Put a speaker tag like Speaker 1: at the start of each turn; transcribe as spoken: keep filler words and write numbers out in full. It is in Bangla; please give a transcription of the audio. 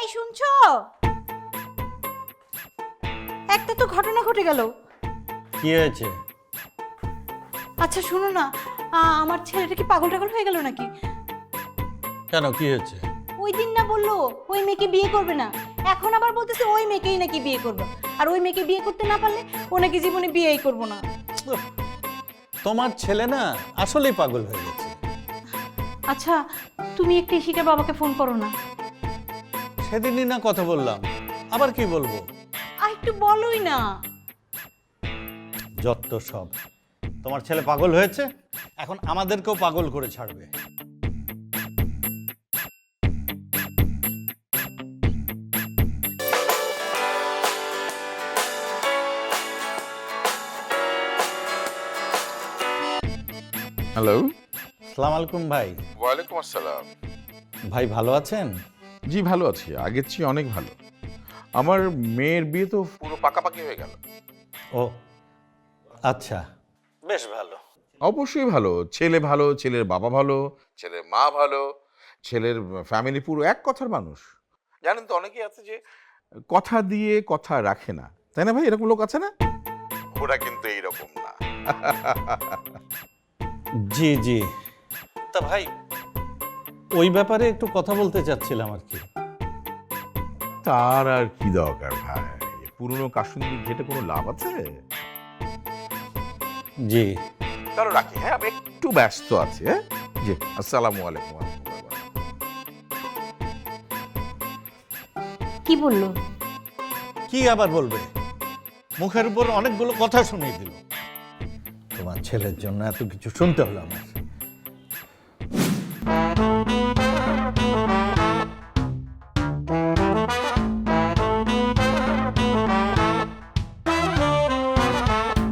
Speaker 1: এই শুনছো? একটা তো ঘটনা ঘটে গেল।
Speaker 2: কি হয়েছে?
Speaker 1: আচ্ছা শুনো না, আ, আমার ছেলেটা কি পাগল টাগল হয়ে গেল নাকি?
Speaker 2: কেন, কি হয়েছে?
Speaker 1: ওই দিন না বললো ওই মেয়েকে বিয়ে করবে না, এখন আবার বলতেছে ওই মেয়েকেই নাকি বিয়ে করবে। আর ওই মেয়েকে বিয়ে করতে না পারলে ও নাকি জীবনে বিয়েই করবো না।
Speaker 2: উফ, তোমার ছেলে না আসলেই পাগল হয়ে গেছে।
Speaker 1: আচ্ছা তুমি একটু ইশিকার বাবাকে ফোন করো না।
Speaker 2: সেদিনই না কথা বললাম, আবার কি বলবো?
Speaker 1: আর একটু বলোই না।
Speaker 2: যত সব, তোমার ছেলে পাগল হয়েছে, এখন আমাদেরকেও পাগল করে ছাড়বে।
Speaker 3: হ্যালো।
Speaker 2: সালাম আলাইকুম ভাই।
Speaker 3: ওয়ালাইকুম আসসালাম।
Speaker 2: ভাই ভালো আছেন?
Speaker 3: জি ভালো আছি, আগের চেয়ে অনেক ভালো। আমার মেয়ের বিয়ে তো পুরো পাকাপাকি হয়ে গেল।
Speaker 2: ও আচ্ছা, বেশ ভালো।
Speaker 3: অবশ্যই ভালো, ছেলে ভালো, ছেলের বাবা ভালো, ছেলের মা ভালো, ছেলের ফ্যামিলি পুরো এক কথার মানুষ। জানেন তো অনেকেই আছে যে কথা দিয়ে কথা রাখে না, তাই না ভাই? এরকম লোক আছে না? ওরা কিন্তু এইরকম না।
Speaker 2: জি জি, তা ভাই ওই ব্যাপারে একটু কথা বলতে চাচ্ছিলাম আর কি।
Speaker 3: তার আর কি দরকার ভাই, পুরনো কাশুন্দি ঘেটে কোনো লাভ আছে?
Speaker 2: জি
Speaker 3: তাহলে রাখি, হ্যাঁ আমি একটু ব্যস্ত আছি। হ্যাঁ জি, আসসালামু আলাইকুম।
Speaker 1: কি বললো?
Speaker 2: কি আবার বলবে, মুখের উপর অনেকগুলো কথা শুনিয়ে দিল। তোমার ছেলের জন্য এত কিছু শুনতে হলো আমার।